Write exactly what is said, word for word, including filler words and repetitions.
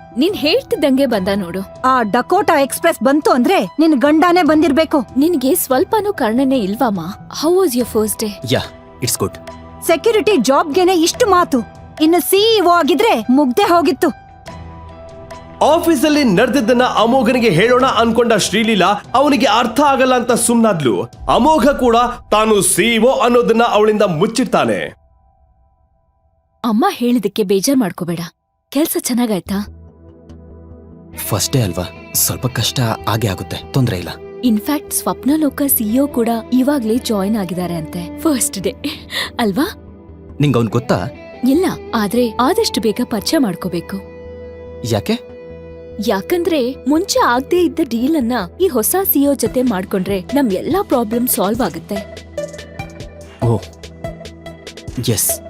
ನೀನ್ ಹೇಳ್ತಿದ್ದಂಗೆ ಬಂದ ನೋಡು. ಆ ಡಕೋಟಾ ಎಕ್ಸ್‌ಪ್ರೆಸ್ ಬಂತು ಅಂದ್ರೆ ನಿನ್ ಗಂಡನೇ ಬಂದಿರ್ಬೇಕು. ನಿನ್ಗೆ ಸ್ವಲ್ಪನೂ ಕರ್ಣನೆ ಇಲ್ವಾಮ? How was your first day? Yeah, it's good. Security ಜಾಬ್ಗೆನೆ ಇಷ್ಟು ಮಾತು, ಇನ್ನು ಸಿಇಒ ಆಗಿದ್ರೆ ಮುಗ್ದೆ ಹೋಗಿತ್ತು. ಆಫೀಸಲ್ಲಿ ನಡೆದಿದ್ದನ್ನ ಅಮೋಘನಿಗೆ ಹೇಳೋಣ ಅನ್ಕೊಂಡ ಶ್ರೀಲೀಲಾ ಅವನಿಗೆ ಅರ್ಥ ಆಗಲ್ಲ ಅಂತ ಸುಮ್ನಾದ್ಲು. ಅಮೋಘ ಕೂಡ ತಾನು ಸಿಇಒ ಅನ್ನೋದನ್ನ ಅವಳಿಂದ ಮುಚ್ಚಿಡ್ತಾನೆ. ಅಮ್ಮ ಹೇಳಿದಕ್ಕೆ ಬೇಜಾರ್ ಮಾಡ್ಕೋಬೇಡ. ಕೆಲ್ಸ ಚೆನ್ನಾಗಾಯ್ತಾ? ಫಸ್ಟ್ ಡೇ ಅಲ್ವಾ, ಸ್ವಲ್ಪ ಕಷ್ಟ ಆಗೇ ಆಗುತ್ತೆ, ತೊಂದ್ರೆ ಇಲ್ಲ. ಇನ್ಫ್ಯಾಕ್ಟ್ ಸ್ವಪ್ನಲೋಕ ಸಿಇಒ ಕೂಡ ಇವಾಗ್ಲೇ ಜಾಯಿನ್ ಆಗಿದ್ದಾರೆ ಅಂತೆ. ಫಸ್ಟ್ ಡೇ ಅಲ್ವಾ? ನಿಂಗ್ ಅವ್ನ್ ಗೊತ್ತಾ? ಇಲ್ಲ, ಆದ್ರೆ ಆದಷ್ಟು ಬೇಗ ಪರಿಚಯ ಮಾಡ್ಕೋಬೇಕು. ಯಾಕೆ? ಯಾಕಂದ್ರೆ ಮುಂಚೆ ಆಗದೆ ಇದ್ದ ಡೀಲ್ ಅನ್ನ ಈ ಹೊಸ ಸಿಇಒ ಜೊತೆ ಮಾಡ್ಕೊಂಡ್ರೆ ನಮ್ ಎಲ್ಲಾ ಪ್ರಾಬ್ಲಮ್ ಸಾಲ್ವ್ ಆಗುತ್ತೆ. Oh S.